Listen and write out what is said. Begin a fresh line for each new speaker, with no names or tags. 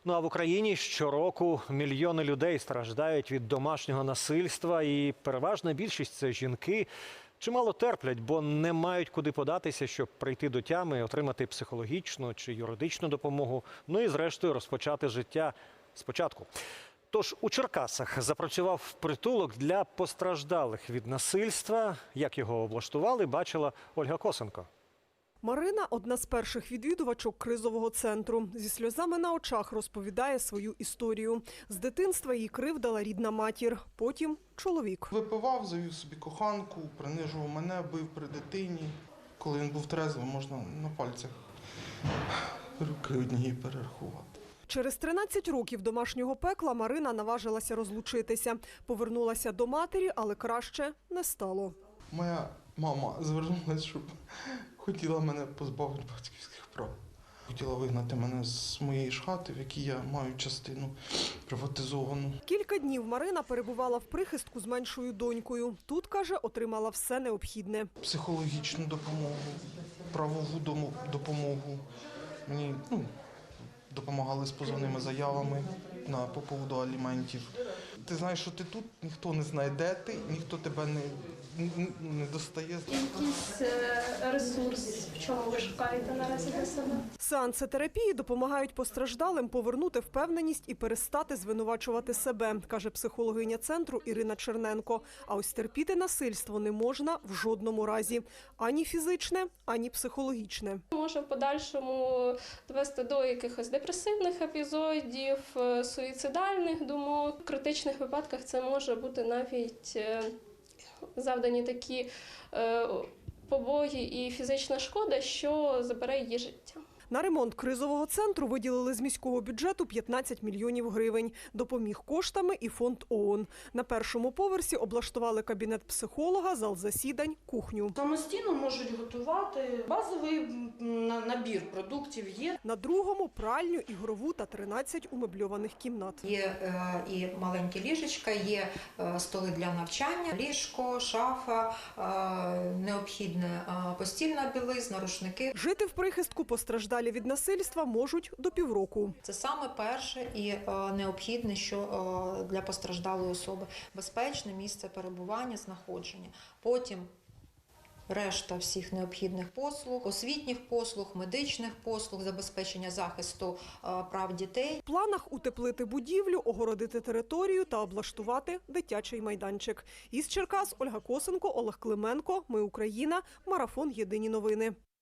Ну а в Україні щороку мільйони людей страждають від домашнього насильства, і переважна більшість – це жінки. Чимало терплять, бо не мають куди податися, щоб прийти до тями, отримати психологічну чи юридичну допомогу, ну і зрештою розпочати життя спочатку. Тож у Черкасах запрацював притулок для постраждалих від насильства. Як його облаштували, бачила Ольга Косенко.
Марина – одна з перших відвідувачок кризового центру. Зі сльозами на очах розповідає свою історію. З дитинства її кривдила рідна матір, потім чоловік.
Випивав, завів собі коханку, принижував мене, бив при дитині. Коли він був трезвий, можна на пальцях руки однієї перерахувати.
Через 13 років домашнього пекла Марина наважилася розлучитися. Повернулася до матері, але краще не стало.
Моя мама звернулася, щоб хотіла мене позбавити батьківських прав. Хотіла вигнати мене з моєї ж хати, в якій я маю частину приватизовану.
Кілька днів Марина перебувала в прихистку з меншою донькою. Тут, каже, отримала все необхідне.
Психологічну допомогу, правову допомогу. Мені допомагали з позовними заявами по поводу аліментів. Ти знаєш, що ти тут, ніхто не знає, де ти, ніхто тебе не достає.
Якийсь ресурс, в чому ви шукаєте наразі для себе?
Сеанси терапії допомагають постраждалим повернути впевненість і перестати звинувачувати себе, каже психологиня центру Ірина Черненко. А ось терпіти насильство не можна в жодному разі. Ані фізичне, ані психологічне.
Може в подальшому довести до якихось депресивних епізодів, суїцидальних думок. В критичних випадках це може бути навіть завдані такі побої і фізична шкода, що забере її життя.
На ремонт кризового центру виділили з міського бюджету 15 мільйонів гривень. Допоміг коштами і фонд ООН. На першому поверсі облаштували кабінет психолога, зал засідань, кухню.
Самостійно можуть готувати, базовий набір продуктів є.
На другому – пральню, ігрову та 13 умебльованих кімнат.
Є і маленькі ліжечка, є столи для навчання, ліжко, шафа, необхідна постільна білизна, рушники.
Жити в прихистку постраждалі від насильства можуть до півроку.
Це саме перше і необхідне, що для постраждалої особи. Безпечне місце перебування, знаходження. Потім решта всіх необхідних послуг, освітніх послуг, медичних послуг, забезпечення захисту прав дітей.
В планах утеплити будівлю, огородити територію та облаштувати дитячий майданчик. Із Черкас Ольга Косенко, Олег Клименко. Ми Україна. Марафон. Єдині новини.